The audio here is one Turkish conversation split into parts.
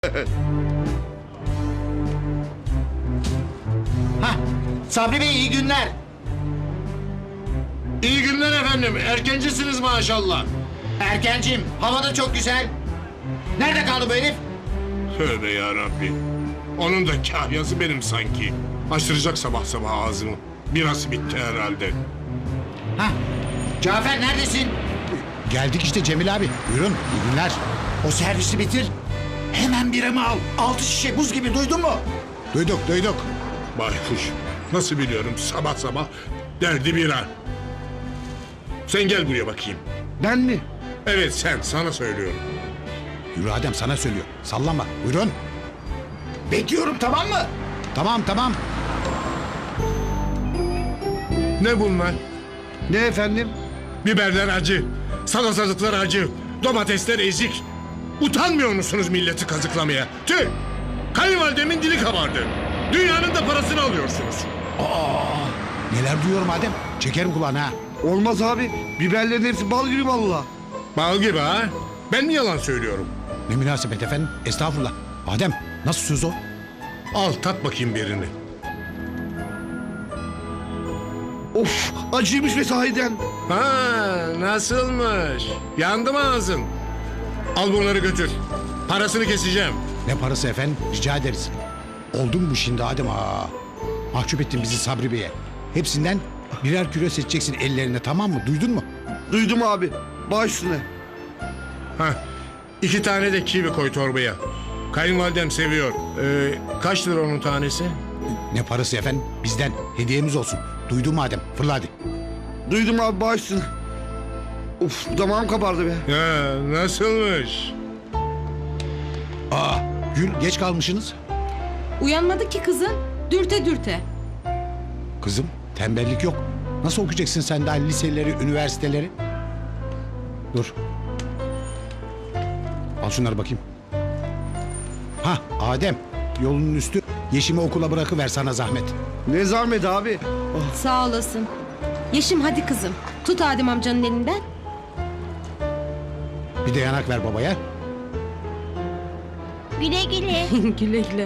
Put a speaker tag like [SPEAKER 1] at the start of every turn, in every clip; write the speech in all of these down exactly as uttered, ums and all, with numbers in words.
[SPEAKER 1] Hah, Sabri Bey iyi günler.
[SPEAKER 2] İyi günler efendim. Erkencisiniz maşallah.
[SPEAKER 1] Erkencim, hava da çok güzel. Nerede kaldı bu herif?
[SPEAKER 2] Tövbe yarabbi. Onun da kahyası benim sanki. Açtıracak sabah sabah ağzımı. Biraz bitti herhalde.
[SPEAKER 1] Hah, Cafer neredesin?
[SPEAKER 3] Geldik işte Cemil abi. Buyurun, iyi günler.
[SPEAKER 1] O servisi bitir. Hemen biramı al. Altı şişe buz gibi, duydun mu?
[SPEAKER 3] Duyduk, duyduk.
[SPEAKER 2] Baykuş. Nasıl biliyorum sabah sabah derdi bira. Sen gel buraya bakayım.
[SPEAKER 4] Ben mi?
[SPEAKER 2] Evet sen, sana söylüyorum.
[SPEAKER 3] Yürü Adem sana söylüyor. Sallama. Buyurun.
[SPEAKER 1] Bekliyorum, tamam mı?
[SPEAKER 3] Tamam, tamam.
[SPEAKER 2] Ne bunlar?
[SPEAKER 4] Ne efendim?
[SPEAKER 2] Biberler acı, salatalıklar acı, domatesler ezik. Utanmıyor musunuz milleti kazıklamaya? Tüh! Kayınvalidemin dili kabardı. Dünyanın da parasını alıyorsunuz.
[SPEAKER 3] Neler duyuyorum Adem. Çekerim kulağına ha.
[SPEAKER 4] Olmaz abi. Biberlerin hepsi bal gibi valla.
[SPEAKER 2] Bal gibi ha? Ben mi yalan söylüyorum?
[SPEAKER 3] Ne münasebet efendim. Estağfurullah. Adem nasıl söz o?
[SPEAKER 2] Al tat bakayım birini.
[SPEAKER 4] Of, acıymış ve sahiden.
[SPEAKER 2] Ha nasılmış? Yandı mı ağzın? Al bunları götür. Parasını keseceğim.
[SPEAKER 3] Ne parası efendim? Rica ederiz. Oldu mu bu şimdi Adem? Aa, mahcup ettin bizi Sabri Bey'e. Hepsinden birer kilo seçeceksin ellerine, tamam mı? Duydun mu?
[SPEAKER 4] Duydum abi. Baş üstüne.
[SPEAKER 2] Ha iki tane de kivi koy torbaya. Kayınvalidem seviyor. Ee, kaç lira onun tanesi?
[SPEAKER 3] Ne parası efendim? Bizden hediyemiz olsun. Duydun mu Adem? Fırla hadi.
[SPEAKER 4] Duydum abi, baş üstüne. Of, damağım kabardı be.
[SPEAKER 2] Ha, nasılmış?
[SPEAKER 3] Aa, Gül geç kalmışsınız.
[SPEAKER 5] Uyanmadı ki kızın. Dürte dürte.
[SPEAKER 3] Kızım tembellik yok. Nasıl okuyacaksın sen daha liseleri, üniversiteleri? Dur. Al şunları bakayım. Ha Adem, yolunun üstü. Yeşim'i okula bırakıver sana zahmet.
[SPEAKER 4] Ne zahmet abi. Oh,
[SPEAKER 5] Sağ olasın. Yeşim hadi kızım. Tut Adem amcanın elinden.
[SPEAKER 3] Bir de yanak ver babaya.
[SPEAKER 5] Güle güle. güle güle.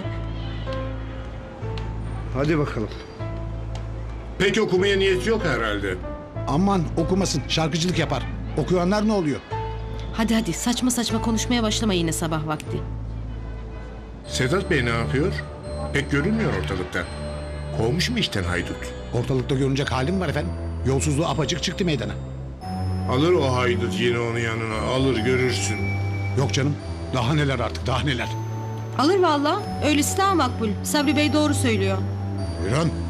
[SPEAKER 4] hadi bakalım.
[SPEAKER 2] Pek okumaya niyeti yok herhalde.
[SPEAKER 3] Aman okumasın, şarkıcılık yapar. Okuyanlar ne oluyor?
[SPEAKER 5] Hadi hadi saçma saçma konuşmaya başlama yine sabah vakti.
[SPEAKER 2] Sedat Bey ne yapıyor? Pek görünmüyor ortalıkta. Kovmuş mu işten haydut?
[SPEAKER 3] Ortalıkta görünecek halim var efendim. Yolsuzluğu apacık çıktı meydana.
[SPEAKER 2] Alır o haydut yine onun yanına. Alır görürsün.
[SPEAKER 3] Yok canım, daha neler artık, daha neler.
[SPEAKER 5] Alır valla. Öylesi daha makbul. Sabri Bey doğru söylüyor.
[SPEAKER 3] Buyurun.